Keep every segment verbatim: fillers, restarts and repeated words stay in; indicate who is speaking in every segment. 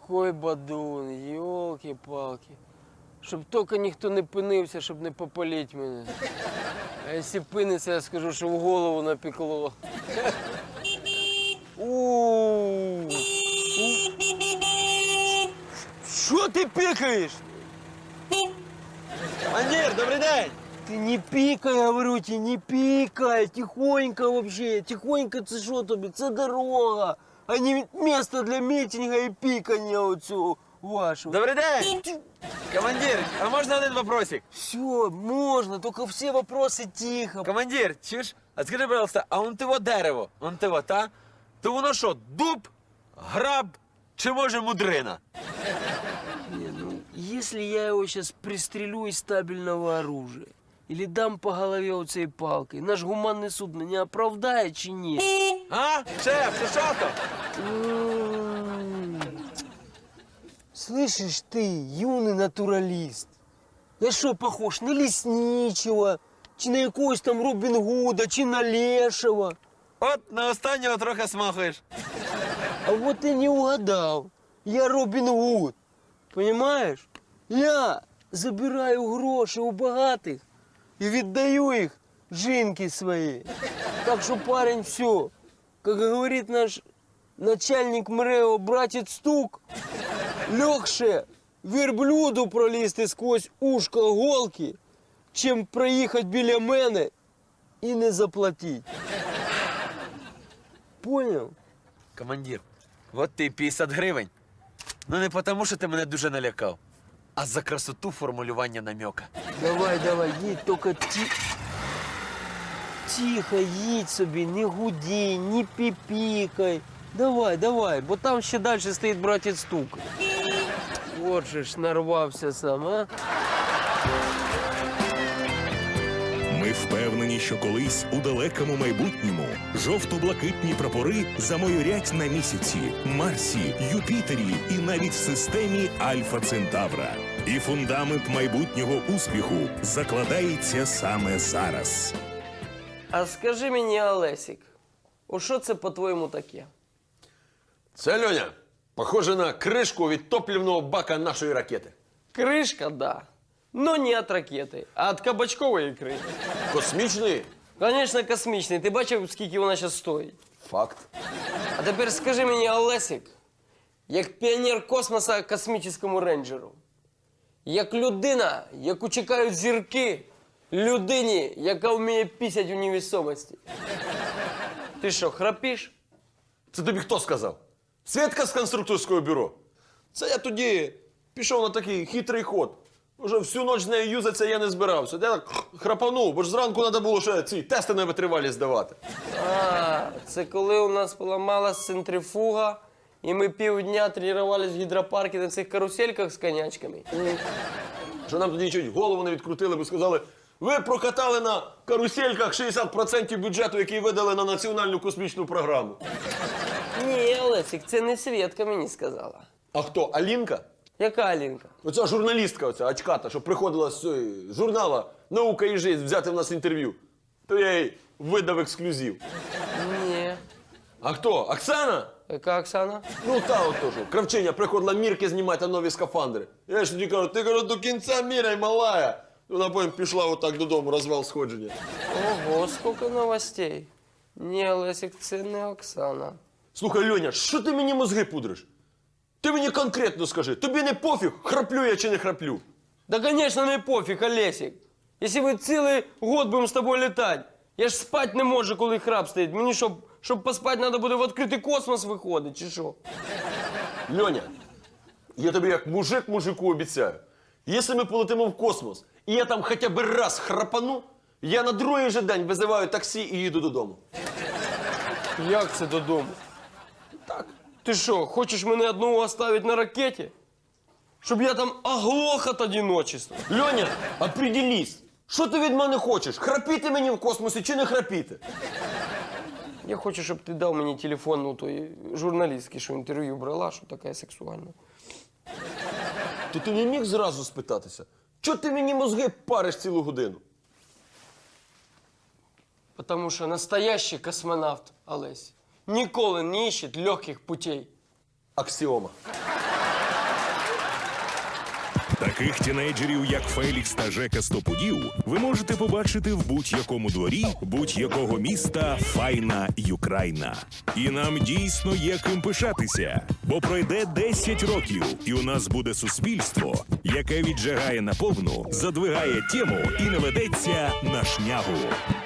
Speaker 1: такой бадун, ёлки-палки. Щоб тільки ніхто не пинився, щоб не попалить мене. А якщо пиниться, я скажу, що в голову напекло. У. Що ти пікаєш?
Speaker 2: Командир, добрий день!
Speaker 1: Ти не пікай, говорю тебе, не пікай, тихонько вообще, тихонько це що тобі, це дорога, а не місце для мітинга і пікання оцього вашого.
Speaker 2: Добрий день! Командир, а можна один вопросик?
Speaker 1: Все, можна, тільки всі вопроси тихо.
Speaker 2: Командир, чуєш? А скажи, пожалуйста, а он того дерево, он того, та? То воно що, дуб, граб чи може мудрина?
Speaker 1: Не, ну, если я его сейчас пристрелю из стабильного оружия или дам по голове вот этой палкой, наш гуманный суд меня оправдает чи нет?
Speaker 2: А? Шеф, ти що там?
Speaker 1: М. Слышишь ты, юный натуралист, я что, похож на лесничего, чи на якогось там Робін Гуда, чи на лешего?
Speaker 2: От на останнього трохи смахуєш.
Speaker 1: А вот ты не угадал, я Робін Гуд, понимаешь? Я забираю гроші у багатих і віддаю їх жінки своїй. Так що, парень, все, как говорит наш начальник МРЕО, братец Стук, легше верблюду пролізти сквозь ушко голки, чим проїхати біля мене і не заплатити. Понял?
Speaker 2: Командир, от ти п'ятдесят гривень. Ну не тому, що ти мене дуже налякав, а за красоту формулювання намека.
Speaker 1: Давай, давай, їдь, тільки ті... тихо їдь собі, не гуді, не піпікай. Давай, давай, бо там ще далі стоїть братець Стук. От же ж нарвався сам, а?
Speaker 3: Ми впевнені, що колись у далекому майбутньому жовто-блакитні прапори замайорять на місяці, Марсі, Юпітері і навіть в системі Альфа Центавра. І фундамент майбутнього успіху закладається саме зараз.
Speaker 1: А скажи мені, Олесік, о що це по-твоєму таке?
Speaker 4: Це, Льоня, похоже на кришку від топливного бака нашої ракети.
Speaker 1: Кришка, да. Но не от ракети, а від кабачкової ікри.
Speaker 4: Космічний
Speaker 1: Звісно, космічний. Ти бачив, скільки вона зараз стоїть?
Speaker 4: факт.
Speaker 1: А тепер скажи мені, Олесік, як піонер космоса космічному рейнджеру, як людина, яку чекають зірки, людині, яка вміє пісять у невесомості. Ти що, храпиш?
Speaker 4: Це тобі хто сказав? Свідка з конструкторського бюро. Це я тоді пішов на такий хитрий ход. Уже всю ніч з нею юзатися я не збирався. Я так храпанув, бо ж зранку треба було ще ці тести на витривалість здавати.
Speaker 1: А, це коли у нас поламалась центрифуга, і ми півдня тренувалися в гідропарку на цих карусельках з конячками.
Speaker 4: Що нам тоді чуть голову не відкрутили, бо сказали, ви прокатали на карусельках шістдесят відсотків бюджету, який видали на національну космічну програму.
Speaker 1: Ні, Олесік, це не Свєтка мені сказала.
Speaker 4: А хто, Алінка?
Speaker 1: Яка Алінка?
Speaker 4: Оця журналістка, оця очката, що приходила з цього журнала «Наука і життя» взяти в нас інтерв'ю. То я їй видав ексклюзив.
Speaker 1: Ні.
Speaker 4: А хто? Оксана?
Speaker 1: Яка Оксана?
Speaker 4: Ну та от теж. Кравчиня приходила мірки знімати нові скафандри. Я ж тоді кажу, ти кажу, до кінця міряй, малая. Вона потім пішла отак додому, розвал сходження.
Speaker 1: Ого, скільки новостей. Ні, Олесік, це не Оксана.
Speaker 4: Слухай, Льоня, що ти мені мозги пудриш? Ти мені конкретно скажи, тобі не пофіг, храплю я чи не храплю?
Speaker 1: Да, конечно, не пофіг, Олесік. Якщо ми цілий год будемо з тобою літати, я ж спати не можу, коли храп стоїть. Мені, щоб, щоб поспати, треба буде в відкритий космос виходити, чи що?
Speaker 4: Льоня, я тобі як мужик мужику обіцяю, якщо ми полетимо в космос, і я там хоча б раз храпану, я на другий же день визиваю таксі і їду додому.
Speaker 1: Як це додому?
Speaker 4: Так.
Speaker 1: Ти що, хочеш мене одного оставити на ракеті? Щоб я там оглох від одиночества?
Speaker 4: Льоня, определись, що ти від мене хочеш? Храпіти мені в космосі чи не храпіти?
Speaker 1: Я хочу, щоб ти дав мені телефон, ну, тої журналістки, що інтерв'ю брала, що така сексуальна.
Speaker 4: То ти не міг зразу спитатися, чого ти мені мозги париш цілу годину?
Speaker 1: Потому що настоящий космонавт, Олесь, ніколи не ищет легких путей.
Speaker 4: Аксіома.
Speaker 3: Таких тінейджерів, як Фелікс та Жека Стопудів, ви можете побачити в будь-якому дворі будь-якого міста Файна Юкрайна. І нам дійсно є ким пишатися, бо пройде десять років, і у нас буде суспільство, яке віджигає наповну, задвигає тему і не ведеться на шнягу.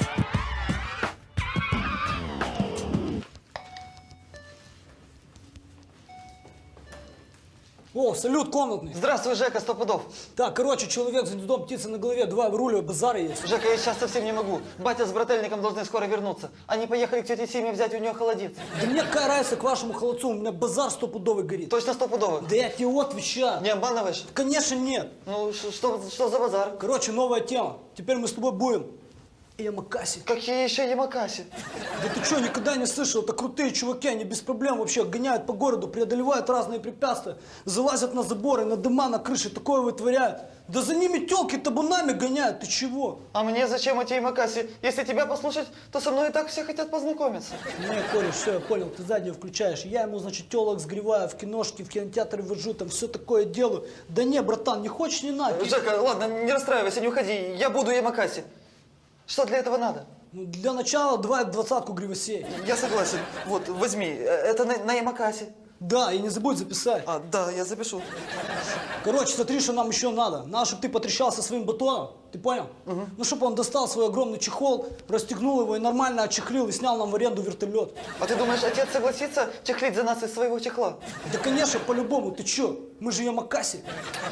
Speaker 5: О, салют комнатный.
Speaker 6: Здравствуй, Жека, сто пудов.
Speaker 5: Так, короче, человек с гнездом птицы на голове, два выруливая, базара есть.
Speaker 6: Жека, я сейчас совсем не могу. Батя с брательником должны скоро вернуться. Они поехали к тете Симе взять у нее холодец.
Speaker 5: Да мне какая разница к вашему холодцу, у меня базар стопудовый горит.
Speaker 6: Точно стопудово?
Speaker 5: Да я тебе отвечаю.
Speaker 6: Не обманываешь?
Speaker 5: Конечно нет.
Speaker 6: Ну, ш- что, что за базар?
Speaker 5: Короче, новая тема. Теперь мы с тобой будем Ямакаси.
Speaker 6: Какие еще Ямакаси?
Speaker 5: Да ты что, никогда не слышал? Это крутые чуваки, они без проблем вообще гоняют по городу, преодолевают разные препятствия, залазят на заборы, на дома, на крыши, такое вытворяют. Да за ними тёлки табунами гоняют, ты чего?
Speaker 6: А мне зачем эти Ямакаси? Если тебя послушать, то со мной и так все хотят познакомиться.
Speaker 5: Не, Коля, все, я понял, ты заднюю включаешь. Я ему, значит, телок сгреваю, в киношки, в кинотеатре вожу, там все такое делаю. Да не, братан, не хочешь, не надо.
Speaker 6: Жека, ладно, не расстраивайся, не уходи. Я буду Ямакаси. Что для этого надо?
Speaker 5: Ну, для начала давай двадцатку гривосей.
Speaker 6: Я согласен. Вот, возьми. Э, Это на, на Ямакаси.
Speaker 5: Да, и не забудь записать.
Speaker 6: А, да, я запишу.
Speaker 5: Короче, смотри, что нам еще надо. Надо, чтобы ты потрещался своим батоном, ты понял? Ну, чтобы он достал свой огромный чехол, расстегнул его и нормально отчехлил и снял нам в аренду вертолет.
Speaker 6: А ты думаешь, отец согласится чехлить за нас из своего чехла?
Speaker 5: Да, конечно, по-любому, ты че? Мы же Ямакаси.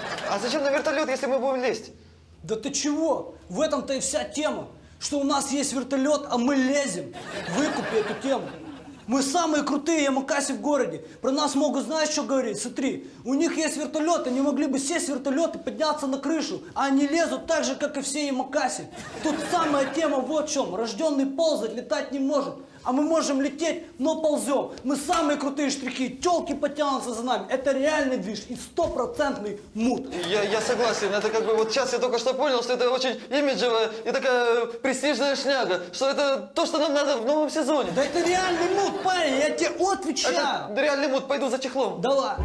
Speaker 6: А зачем на вертолет, если мы будем лезть?
Speaker 5: Да ты чего? В этом-то и вся тема. Что у нас есть вертолет, а мы лезем. Выкупи эту тему. Мы самые крутые Ямакаси в городе. Про нас могут, знаешь, что говорить? Смотри, у них есть вертолет, они могли бы сесть в вертолет и подняться на крышу, а они лезут так же, как и все Ямакаси. Тут самая тема вот в чем. Рожденный ползать, летать не может. А мы можем лететь, но ползем. Мы самые крутые штрихи, телки потянутся за нами. Это реальный движ и стопроцентный мут.
Speaker 6: Я, я согласен, это как бы вот сейчас я только что понял, что это очень имиджевая и такая престижная шняга, что это то, что нам надо в новом сезоне.
Speaker 5: Да это реальный мут, парень, я тебе отвечаю.
Speaker 6: Это реальный мут, пойду за чехлом.
Speaker 5: Давай.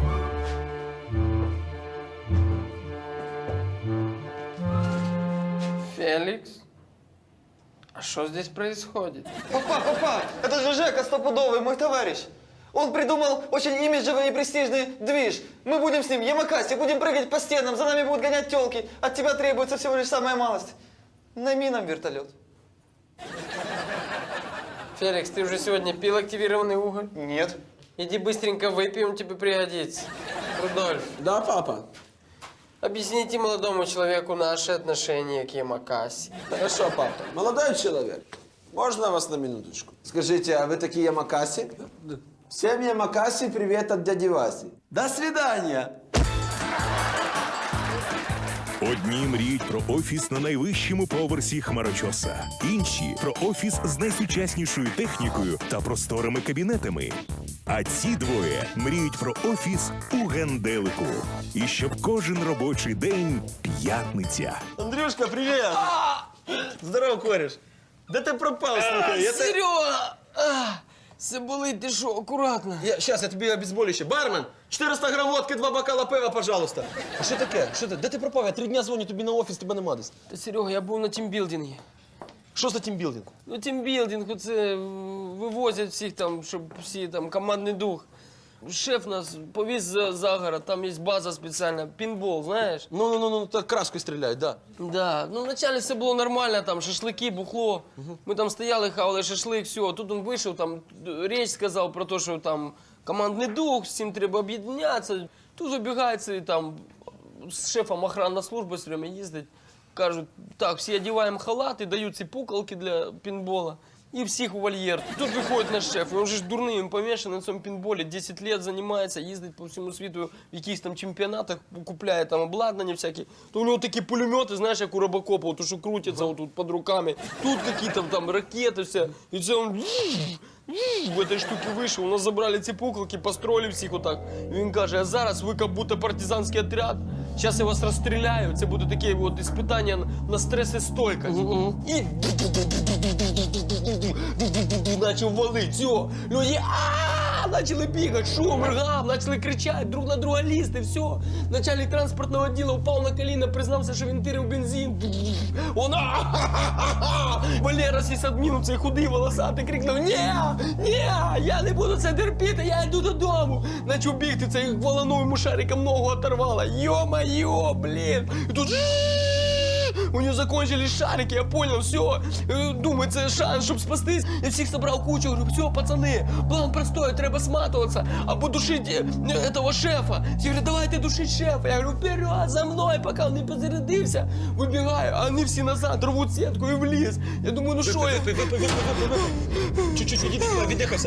Speaker 1: Феликс? А что здесь происходит?
Speaker 6: Папа, папа, это же Жека стопудовый, мой товарищ. Он придумал очень имиджевый и престижный движ. Мы будем с ним Ямакаси, будем прыгать по стенам, за нами будут гонять телки. От тебя требуется всего лишь самая малость. Найми нам вертолет.
Speaker 1: Феликс, ты уже сегодня пил активированный уголь?
Speaker 6: Нет.
Speaker 1: Иди быстренько выпей, он тебе пригодится. Рудольф,
Speaker 2: Да, папа?
Speaker 1: объясните молодому человеку наши отношения к Ямакаси.
Speaker 7: Хорошо, папа. Молодой человек, можно вас на минуточку? Скажите, а вы такие Ямакаси? Всем Ямакаси привет от дяди Васи. До свидания!
Speaker 3: Одні мріють про офіс на найвищому поверсі хмарочоса, інші про офіс з найсучаснішою технікою та просторими кабінетами. А ці двоє мріють про офіс у генделику. І щоб кожен робочий день п'ятниця.
Speaker 4: Андрюшка, привет! Здорово, кореш. Де ти пропав, слухай? Я те-
Speaker 1: Серега! Все болить, ти що, акуратно.
Speaker 4: Я, щас, я тобі обезболюще. Бармен, чотириста грам водки, два бокала пива, пожалуйста. А що таке? Що ти? Де ти пропав? Я три дня дзвоню тобі на офіс, тебе нема десь.
Speaker 1: Та, Серега, я був на тімбілдингі.
Speaker 4: Що за тімбілдинг?
Speaker 1: Ну, тімбілдинг, це вивозять всіх там, щоб всі там командний дух. Шеф нас повіз за, за город, там є база спеціальна, пінбол, знаєш?
Speaker 4: Ну, ну, ну, ну, так краскою стріляють, да.
Speaker 1: Да, ну вначале все було нормально, там шашлики, бухло. Ми там стояли, хавали шашлик, все. Тут він вийшов, там річ сказав про те, що там командний дух, всім треба об'єднатися. Тут забігається і там з шефом охранна служба все время їздить. Кажуть, так, всі одягаємо халати, дають ці пукалки для пінбола. І всіх у вольєр. Тут виходить наш шеф, він же ж дурний, він помішаний на цьому пінболі, десять років займається, їздить по всьому світу в якихось там чемпіонатах, купляє там обладнання всяке. То у нього такі пулемети, знаєш, як у Робокопа, то що крутяться отут під руками. Тут якісь там ракети, все. І це він в этой штуки вийшов, у нас забрали ці пукалки, построили всіх отак. І він каже, а зараз ви як будто партизанський отряд, зараз я вас розстріляю, це буде таке от іспитання на стресостойкость. І начав валить, все, люди, а начали бегать, шум, ргам, начали кричать, друг на друга лізти, все. Начальник транспортного отдела упав на коліна, признався, що він пірив бензин. Он, Валера сисадмін, цей худий, волосатий, крикнув: ні, ні, я не буду це терпіти, я йду додому. Начав бігти, цей волону йому шариком ногу оторвало. Йо-моє, блін. І тут у нее закончились шарики, я понял, все. Думаю, це шанс, щоб спастись. Я всіх собрав кучу, говорю: все, пацани, план простой, треба сматуватися, або душити этого шефа. Я говорю: давайте душить шефа. Я говорю: вперед, за мною, поки він не позарядився. Вибігаю, а вони всі назад рвуть сітку і в ліс. Я думаю, ну що я...
Speaker 4: Чуть-чуть віддихався.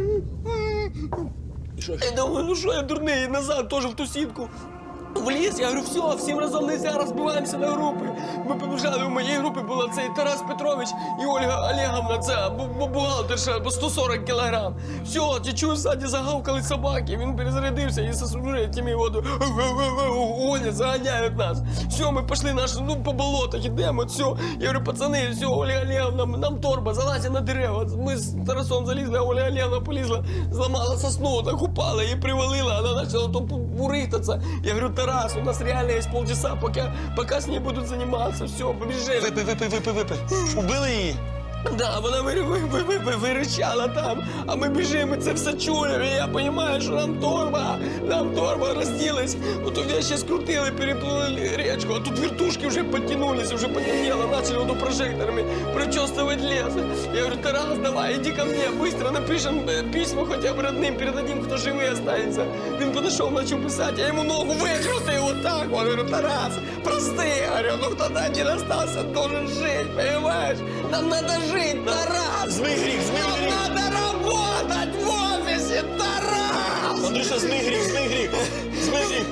Speaker 1: Я думаю, ну що я дурний, і назад теж в ту сітку. В ліс, я говорю: все, всім разом нельзя, розбиваємося на групи. Ми побіжали, у моїй групі була цей Тарас Петрович і Ольга Олеговна, це бу- бухгалтерша по сто сорок кілограм. Все, я чую, ззаді загавкали собаки, він перезарядився і з тими воду гонять, заганяють нас. Все, ми пішли наш, ну, по болотах ідемо, все. Я говорю: пацани, все, Ольга Олеговна, нам торба, залазимо на дерева. Ми з Тарасом залізли, а Ольга Олеговна полізла, зламала сосну, так упала, її привалила, вона почала то бурихтатися. Я говорю: Тарас, у нас реально есть полчаса, пока, пока с ней будут заниматься. Все, побежали.
Speaker 4: Випий, випий, випий, випий. Убили її?
Speaker 1: Да, вона ви, ви, ви, ви, ви, виричала там, а ми біжимо, і це все чуємо. І я розумію, що нам торба, нам торба розділись. Ото вещи скрутили, переплыли речку, а тут вертушки вже підтягнулись, вже потемнело, почали вот прожекторами прочесывать лес. Я говорю: Тарас, давай, иди ко мне, быстро напишем письма хотя бы родным, передадим, кто живый останется. Він підійшов, почав писати, я йому ногу викрутив вот так. Я говорю: Тарас, прости, я говорю, ну кто-то один остался, должен жить, понимаешь? Нам надо жить, Тарас!
Speaker 4: Змий гріх, змий
Speaker 1: Нам
Speaker 4: гріх.
Speaker 1: надо работать в офисе, Тарас!
Speaker 4: Андрюша, змий гріх, змий гріх. Змий гріх.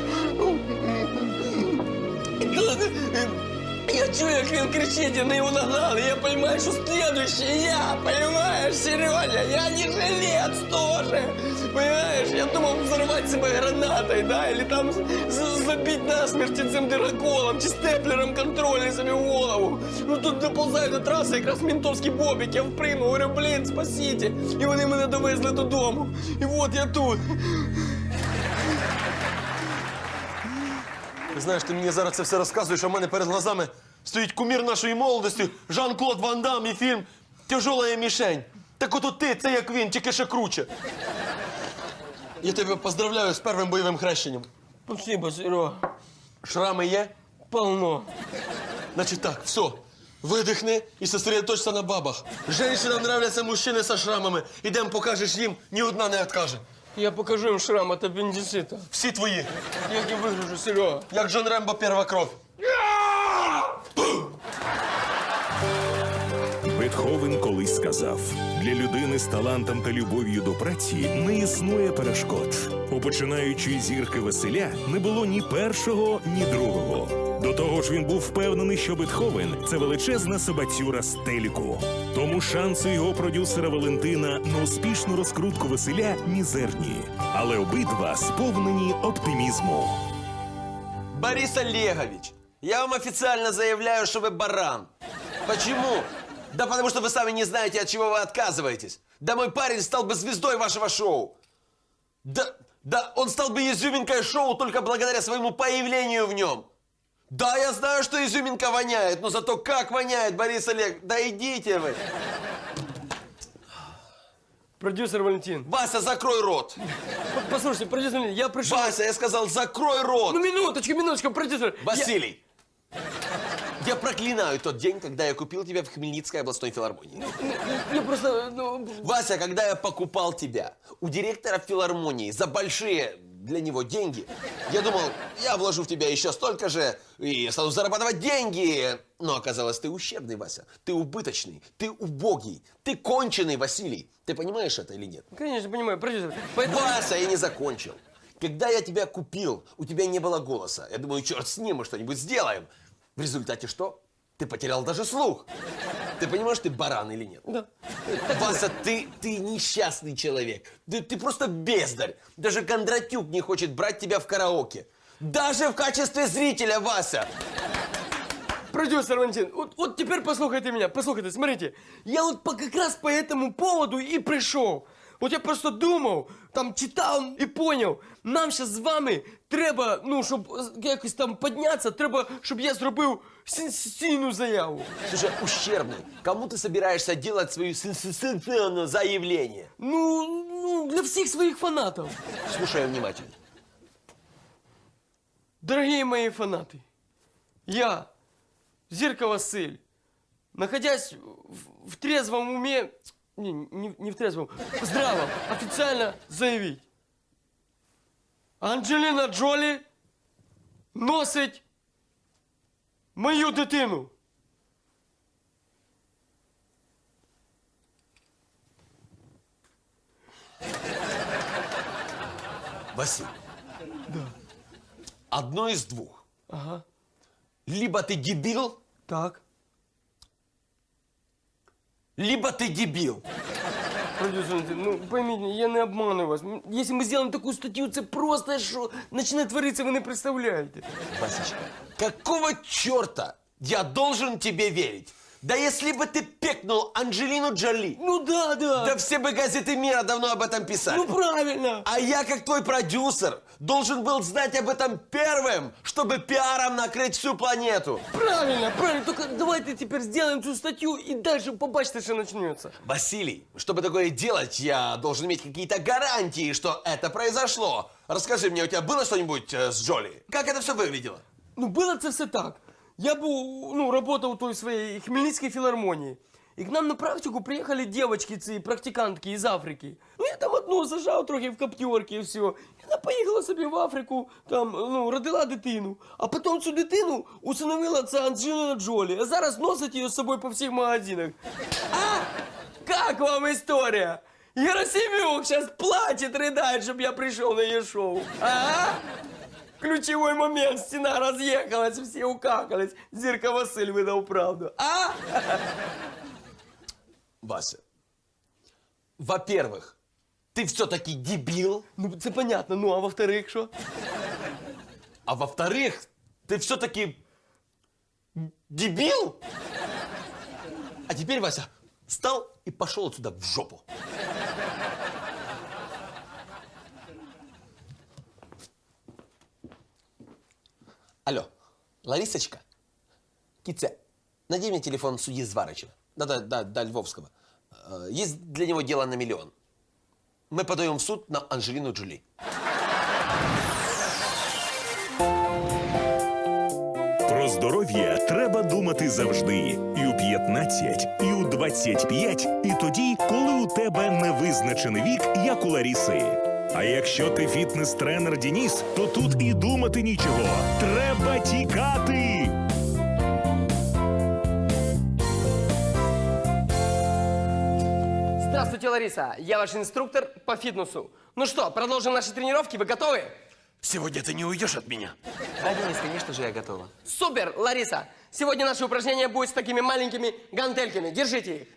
Speaker 1: Я чую, як він кричить, і на його нагнали. Я розумію, що слідуючий я, розумієш, Сережа, я не жилец теж. Понимаешь, я думав взорвати себе гранатою, да, или там забити насмерть цим дироколом, чи степлером контрольний собі в голову. Ну тут доползаю до траси, якраз ментовський бобік, я впригнув, говорю: блін, спасіть. І вони мене довезли додому. І от я тут.
Speaker 4: Знаєш, ти мені зараз це все розказуєш, а в мене перед глазами стоїть кумір нашої молодості, Жан-Клод Ван Дам і фільм «Тяжолая мішень». Так от ти, це як він, тільки ще круче. Я тебе поздравляю з першим бойовим хрещенням.
Speaker 1: Спасибо, Серега.
Speaker 4: Шрами є?
Speaker 1: Полно.
Speaker 4: Значить так, все, видихни і сосредоточься на бабах. Женщинам нравляться мужчини з шрамами. Ідем, покажеш їм, ні одна не відкаже.
Speaker 1: Я покажу їм шрам від апендицита.
Speaker 4: Всі твої.
Speaker 1: Як я вигляджу, Серега?
Speaker 4: Як Джон Рембо, перша кров.
Speaker 3: Бетховен колись сказав: для людини з талантом та любов'ю до праці не існує перешкод. У починаючої зірки Василя не було ні першого, ні другого. До того ж, він був впевнений, що Бетховен – це величезна собацюра з телеку. Тому шанси його продюсера Валентина на успішну розкрутку Василя мізерні. Але обидва сповнені оптимізму.
Speaker 7: Борис Олегович, я вам официально заявляю, что вы баран. Почему? Да потому что вы сами не знаете, от чего вы отказываетесь. Да мой парень стал бы звездой вашего шоу. Да, да он стал бы изюминкой шоу только благодаря своему появлению в нем. Да, я знаю, что изюминка воняет, но зато как воняет, Борис Олег. Да идите вы.
Speaker 1: Продюсер Валентин.
Speaker 7: Вася, закрой рот.
Speaker 1: Послушайте, продюсер Валентин, я пришел...
Speaker 7: Вася, я сказал, закрой рот.
Speaker 1: Ну, минуточку, минуточку, продюсер.
Speaker 7: Василий, я проклинаю тот день, когда я купил тебя в Хмельницкой областной филармонии.
Speaker 1: Я, я просто... Ну...
Speaker 7: Вася, когда я покупал тебя у директора филармонии за большие для него деньги, я думал, я вложу в тебя еще столько же и стану зарабатывать деньги. Но оказалось, ты ущербный, Вася. Ты убыточный, ты убогий, ты конченый, Василий. Ты понимаешь это или нет?
Speaker 1: Конечно, понимаю, продюсер. Поэтому...
Speaker 7: Вася, я не закончил. Когда я тебя купил, у тебя не было голоса. Я думаю, черт с ним, мы что-нибудь сделаем. В результате что? Ты потерял даже слух. Ты понимаешь, ты баран или нет?
Speaker 1: Да.
Speaker 7: Вася, ты, ты несчастный человек. Ты, ты просто бездарь. Даже Кондратюк не хочет брать тебя в караоке. Даже в качестве зрителя, Вася.
Speaker 1: Продюсер Валентин, вот, вот теперь послушайте меня, послушайте, смотрите. Я вот по, как раз по этому поводу и пришел. От я просто думав, там читав і поняв, нам зараз з вами треба, ну, щоб якось там піднятися, треба, щоб я зробив сенсаційну заяву.
Speaker 7: Слушай, ущербный, кому ты собираешься делать свое сенсационное заявление?
Speaker 1: Ну, ну, для всіх своїх фанатів.
Speaker 7: Слушай внимательно.
Speaker 1: Дорогі мої фанати, я, Зірка Василь, находясь в, в трезвом уме, не, не, не в трезвом, в здравом, официально заявить. Анджеліна Джолі носить мою дитину.
Speaker 7: Василий. Да. Одно из двух.
Speaker 1: Ага.
Speaker 7: Либо ты дебил,
Speaker 1: Так.
Speaker 7: либо ты дебил.
Speaker 1: Продюсер, ну поймите, я не обманываю вас. Если мы сделаем такую статью, це просто що почне твориться, ви не представляєте.
Speaker 7: Васечка, какого черта я должен тебе верить? Да если бы ты пекнул Анджелину Джоли,
Speaker 1: Ну да, да.
Speaker 7: да все бы газеты мира давно об этом писали.
Speaker 1: Ну правильно.
Speaker 7: А я, как твой продюсер, должен был знать об этом первым, чтобы пиаром накрыть всю планету.
Speaker 1: Правильно, правильно. Только давайте теперь сделаем эту статью и дальше побачите, что начнется.
Speaker 7: Василий, чтобы такое делать, я должен иметь какие-то гарантии, что это произошло. Расскажи мне, у тебя было что-нибудь э, с Джоли? Как это все выглядело?
Speaker 1: Ну, было це все так. Я був, ну, работал в той своей Хмельницкой филармонии. И к нам на практику приехали девочки, ці практикантки из Африки. Ну, я там одну зажав трохи в каптерці і все. І вона поїхала собі в Африку, там, ну, родила дитину. А потім цю дитину усиновила ця Анджеліна Джолі. А зараз носить її з собою по всіх магазинах. А? Как вам история? Герасимюк сейчас плачет, рыдает, чтобы я пришел на ее шоу. А? Ключевой момент, стена разъехалась, все укакались. Зірка Василь выдал правду. А?
Speaker 7: Вася, во-первых, ты все-таки дебил,
Speaker 1: Ну, це понятно. Ну, а во-вторых, що?
Speaker 7: а во-вторых, ты все-таки дебил. А теперь, Вася, встал и пошел отсюда в жопу. Алло, Ларисочка, Китя, найди мне телефон судьи Зварычева. Да-да, да, да, Львовского. Э, Есть для него дело на миллион. Мы подаем в суд на Анджелину Джоли.
Speaker 3: Про здоров'я треба думати завжди. І у п'ятнадцять, і у двадцять п'ять, і тоді, коли у тебе невизначений вік, як у Ларіси. А якщо ти фітнес-тренер Денис, то тут і думати нічого. Треба тікати!
Speaker 1: Здравствуйте, Лариса. Я ваш инструктор по фитнесу. Ну что, продолжим наши тренировки? Вы готовы?
Speaker 7: Сегодня ты не уйдешь от меня.
Speaker 6: Да, Денис, конечно же, я готова.
Speaker 1: Супер, Лариса. Сегодня наше упражнение будет с такими маленькими гантельками. Держите их.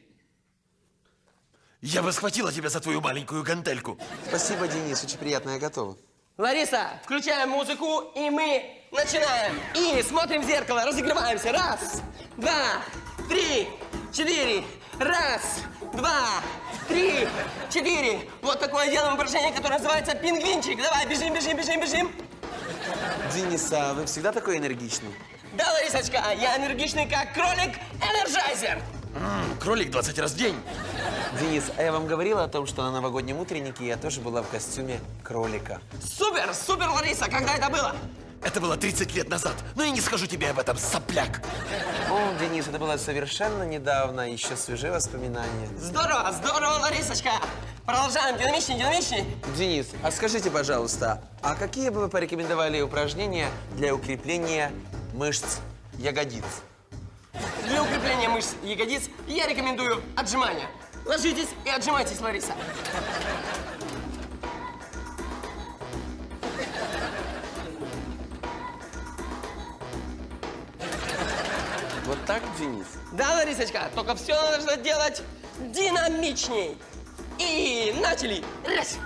Speaker 7: Я бы схватила тебя за твою маленькую гантельку.
Speaker 6: Спасибо, Денис, очень приятно, я готова.
Speaker 1: Лариса, включаем музыку, и мы начинаем. И смотрим в зеркало, разогреваемся. Раз, два, три, четыре. Раз, два, три, четыре. Вот такое делаем упражнение, которое называется пингвинчик. Давай, бежим, бежим, бежим, бежим.
Speaker 6: Денис, а вы всегда такой энергичный?
Speaker 1: Да, Ларисочка, я энергичный, как кролик-энерджайзер.
Speaker 7: М, кролик двадцать раз в день.
Speaker 6: Денис, а я вам говорила о том, что на новогоднем утреннике я тоже была в костюме кролика.
Speaker 1: Супер, супер, Лариса, когда это было?
Speaker 7: Это было тридцать лет назад. Но я не скажу тебе об этом, сопляк.
Speaker 6: О, Денис, это было совершенно недавно, еще свежие воспоминания.
Speaker 1: Здорово, здорово, Ларисочка. Продолжаем, динамичней, динамичней.
Speaker 6: Денис, а скажите, пожалуйста, а какие бы вы порекомендовали упражнения для укрепления мышц ягодиц?
Speaker 1: Для укрепления мышц ягодиц я рекомендую отжимания. Ложитесь и отжимайтесь, Лариса.
Speaker 6: Вот так, Денис?
Speaker 1: Да, Ларисочка, только все нужно делать динамичней. И начали. Раз.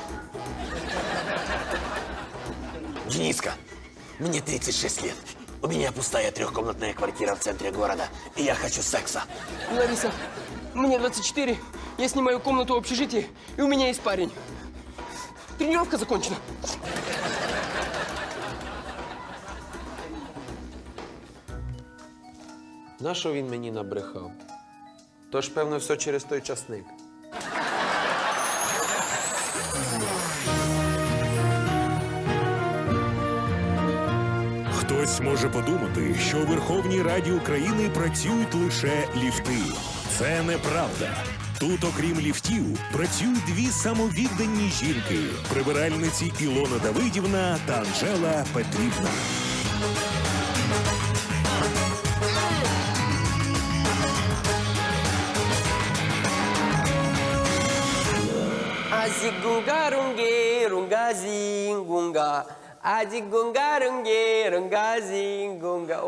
Speaker 7: Дениска, мне тридцать шесть лет. У меня пустая трехкомнатная квартира в центре города. И я хочу секса.
Speaker 1: Лариса, мне двадцать четыре, Я снимаю комнату в общежитии, и у меня есть парень. Тренировка закончена.
Speaker 7: На що він мені набрехав? Тож, певно, все через той часник.
Speaker 3: Хтось може подумати, що у Верховній Раді України працюють лише ліфти. Це неправда. Тут, окрім ліфтів, працюють дві самовіддані жінки – прибиральниці Ілона Давидівна та Анжела Петрівна.
Speaker 1: Азигунга-рунге, рунга-зингунга. Азигунга-рунге, рунга-зингунга.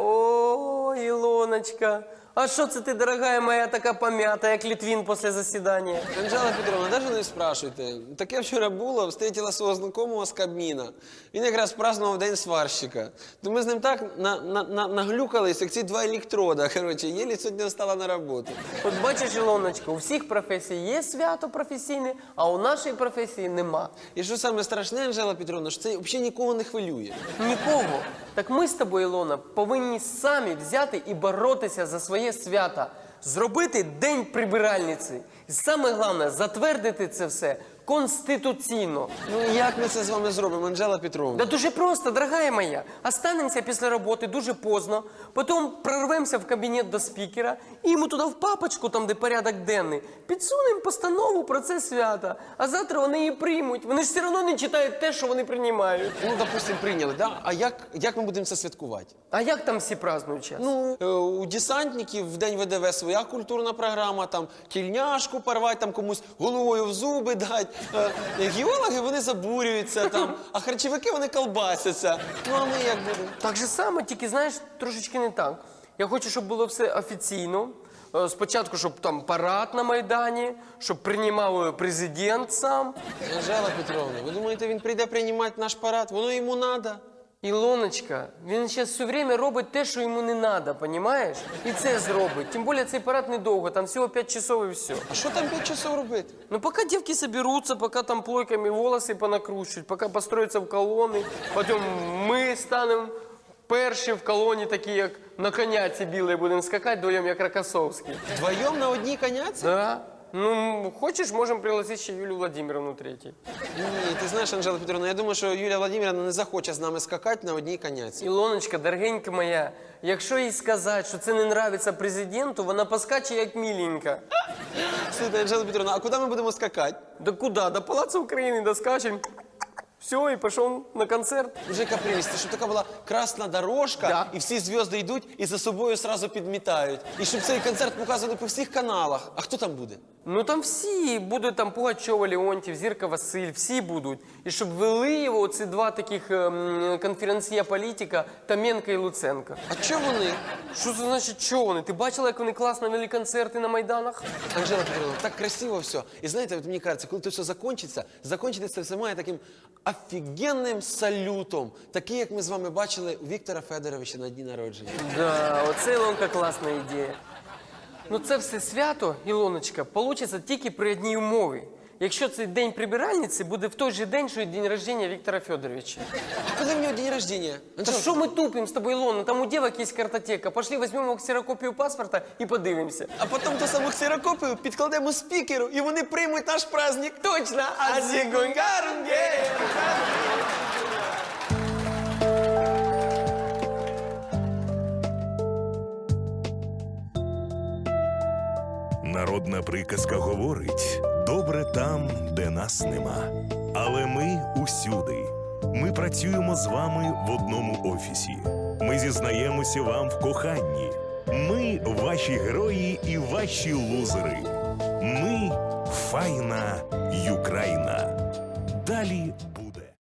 Speaker 1: О, Илоночка, а що це ти, дорогая моя, така пом'ята, як Литвин після засідання?
Speaker 7: Анжела Петровна, навіть не спрашуйте. Таке вчора було, встретила свого знайомого з Кабміна. Він якраз празднував День сварщика. То ми з ним так на, на, на, наглюкались, як ці два електрода. Коротше, єлі сьогодні встала на роботу.
Speaker 1: От бачиш, Ілоночка, у всіх професій є свято професійне, а у нашої професії нема.
Speaker 7: І що саме страшне, Анжела Петровна, що це взагалі нікого не хвилює.
Speaker 1: Нікого. Так ми з тобою, Ілона, повинні самі взяти і боротися за своє свято. Зробити День прибиральниці. І саме головне, затвердити це все конституційно.
Speaker 7: Ну як ми це з вами зробимо, Анжела Петровна?
Speaker 1: Да дуже просто, дорогая моя. Останемося після роботи дуже поздно, потім прорвемося в кабінет до спікера і йому туди в папочку, там, де порядок денний, підсунемо постанову про це свято. А завтра вони її приймуть. Вони ж все одно не читають те, що вони приймають.
Speaker 7: Ну, допустим, прийняли, да? А як, як ми будемо це святкувати?
Speaker 1: А як там всі празднують час?
Speaker 7: Ну, е, у десантників в День ВДВ своя культурна програма, там тільняшку порвати, там комусь головою в зуби дати. Е, геологи, вони забурюються там, а харчовики, вони колбасяться. Ну, а ми як будемо?
Speaker 1: Так же само, тільки, знаєш, трошечки не так. Я хочу, щоб було все офіційно. Е, Спочатку, щоб там парад на Майдані, щоб приймав е, президент сам.
Speaker 7: Анжела Петровна, ви думаєте, він прийде приймати наш парад? Воно йому треба.
Speaker 1: Ілоночка, він зараз все время робить те, що йому не треба, понімаєш? І це зробить. Тим більше цей парад недовго, там всього п'ять часов і все.
Speaker 7: А що там п'ять часов робити?
Speaker 1: Ну, пока девки соберутся, пока там плойками волосы понакручивают, пока построятся в колонны, потом мы станем перші в колоні, такі як на коняці білій, будемо скакати вдвоєм, як Рокоссовський.
Speaker 7: Вдвоєм на одній коняці?
Speaker 1: Да. Ну, хочеш, можемо пригласити ще Юлію Владимировну третій.
Speaker 7: Ні, ти знаєш, Анжела Петровна, я думаю, що Юлія Владимировна не захоче з нами скакати на одній коняці.
Speaker 1: Ілоночка, дорогенька моя, якщо їй сказати, що це не нравиться президенту, вона поскаче як міленька.
Speaker 7: Слухайте, Анжела Петровна, а куди ми будемо скакати?
Speaker 1: Да куда? До Палацу України доскачем. Все, і пішов на концерт.
Speaker 7: Уже капризисти, щоб така була красна дорожка,
Speaker 1: Да.
Speaker 7: і всі зв'язки йдуть і за собою сразу підмітають. І щоб цей концерт показували по всіх каналах. А хто там буде?
Speaker 1: Ну там всі будуть, там Пугачова, Леонтів, Зірка Василь, всі будуть. І щоб вели його ці два таких ем, конференція політика Томенко і Луценко.
Speaker 7: А чого вони?
Speaker 1: Що це значить, що вони? Ти бачила, як вони класно вели концерти на Майданах?
Speaker 7: Анжела Петровна, так красиво все. І знаєте, от мені кажеться, коли це все закінчиться, закінчиться це все має таким офігенним салютом. Такий, як ми з вами бачили у Віктора Федоровича на дні народження.
Speaker 1: Да, оце, Ілонка, класна ідея. Ну це все свято, Ілоночка, получиться тільки при одній умові. Якщо цей день прибиральниці буде в той же день, що і день рождения Віктора Федоровича.
Speaker 7: А коли в нього день рождення?
Speaker 1: Та
Speaker 7: Анжела,
Speaker 1: що ми тупимо з тобою, Ілона? Там у дівок є картотека. Пошли, візьмемо ксерокопію паспорта і подивимося.
Speaker 7: а потім ту саму ксерокопію підкладемо спікеру, і вони приймуть наш праздник. Точно! Азігунгарунге!
Speaker 3: Народна приказка говорить: добре там, де нас нема. Але ми усюди. Ми працюємо з вами в одному офісі. Ми зізнаємося вам в коханні. Ми ваші герої і ваші лузери. Ми файна Юкраїна. Далі